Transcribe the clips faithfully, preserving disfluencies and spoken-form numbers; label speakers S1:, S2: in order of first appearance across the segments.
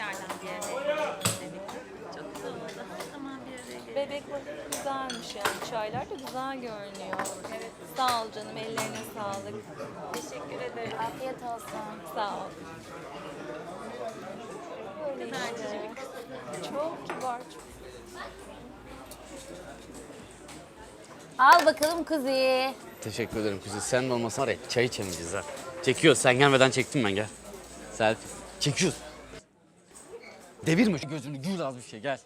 S1: tekrardan bir araya gelelim. Çok güzel oldu. Her zaman bir araya gelelim.
S2: Bebek vakti güzelmiş yani. Çaylar da güzel görünüyor. Evet. Sağ ol canım. Ellerine sağlık.
S1: Teşekkür ederim.
S2: Afiyet olsun. Sağ ol. Böyle
S1: kadar
S2: işte.
S1: cici bir kız.
S2: Çok kibar. Çok...
S3: Al bakalım kuzi.
S4: Teşekkür ederim kuzen. Sen de olmasan var ya çay içemeyeceğiz ha. Çekiyoruz. Sen gelmeden çektim ben gel. Selfie. Çekiyoruz. Devirme şu gözünü. Gül az bir şey gel.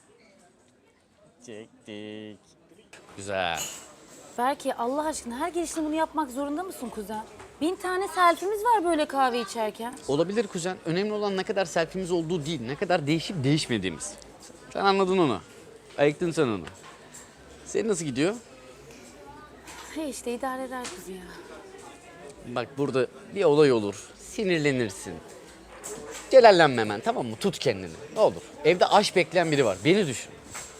S4: Çektik. Güzel.
S3: Belki Allah aşkına her gelişinde bunu yapmak zorunda mısın kuzen? Bin tane selfie'miz var böyle kahve içerken.
S4: Olabilir kuzen. Önemli olan ne kadar selfie'miz olduğu değil. Ne kadar değişip değişmediğimiz. Sen anladın onu. Ayıktın sen onu. Senin nasıl gidiyor?
S3: He işte idare eder kuzi ya.
S4: Bak burada bir olay olur. Sinirlenirsin. Celallenme hemen tamam mı? Tut kendini. Ne olur. Evde aşk bekleyen biri var. Beni düşün.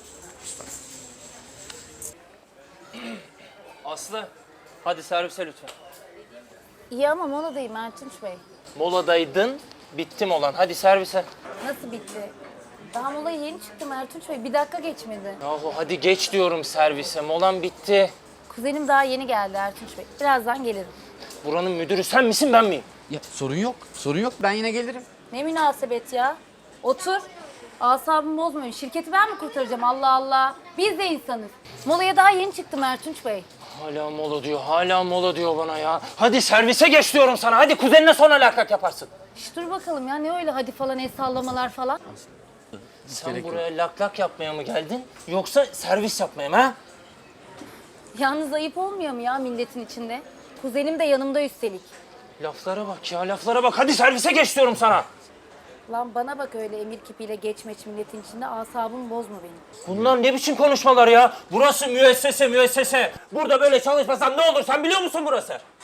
S5: Aslı, hadi servise lütfen.
S3: İyi ama moladayım Ertunç Bey.
S5: Moladaydın, bittim olan. Hadi servise.
S3: Nasıl bitti? Daha molaya yeni çıktım Ertunç Bey. Bir dakika geçmedi.
S5: Yahu hadi geç diyorum servise. Molan bitti.
S3: Kuzenim daha yeni geldi Ertunç Bey. Birazdan gelirim.
S5: Buranın müdürü sen misin ben miyim?
S4: Ya sorun yok. Sorun yok. Ben yine gelirim.
S3: Ne münasebet ya. Otur. Asabımı bozmayın. Şirketi ben mi kurtaracağım Allah Allah. Biz de insanız. Molaya daha yeni çıktım Ertunç Bey.
S5: Hala mola diyor, hala mola diyor bana ya. Hadi servise geç diyorum sana. Hadi kuzenine sonra lak yaparsın.
S3: Şş, dur bakalım ya ne öyle hadi falan el sallamalar falan.
S5: Sen
S4: Gerek yok.
S5: buraya lak lak yapmaya mı geldin? Yoksa servis yapmaya mı ha?
S3: Yalnız ayıp olmuyor mu ya milletin içinde? Kuzenim de yanımda üstelik.
S5: Laflara bak ya, laflara bak. Hadi servise geç diyorum sana.
S3: Lan bana bak öyle emir kipiyle geçmeç milletin içinde asabımı bozma benim.
S5: Bunlar ne biçim konuşmalar ya? Burası müessese, müessese. Burada böyle çalışmasam ne olur sen biliyor musun burası?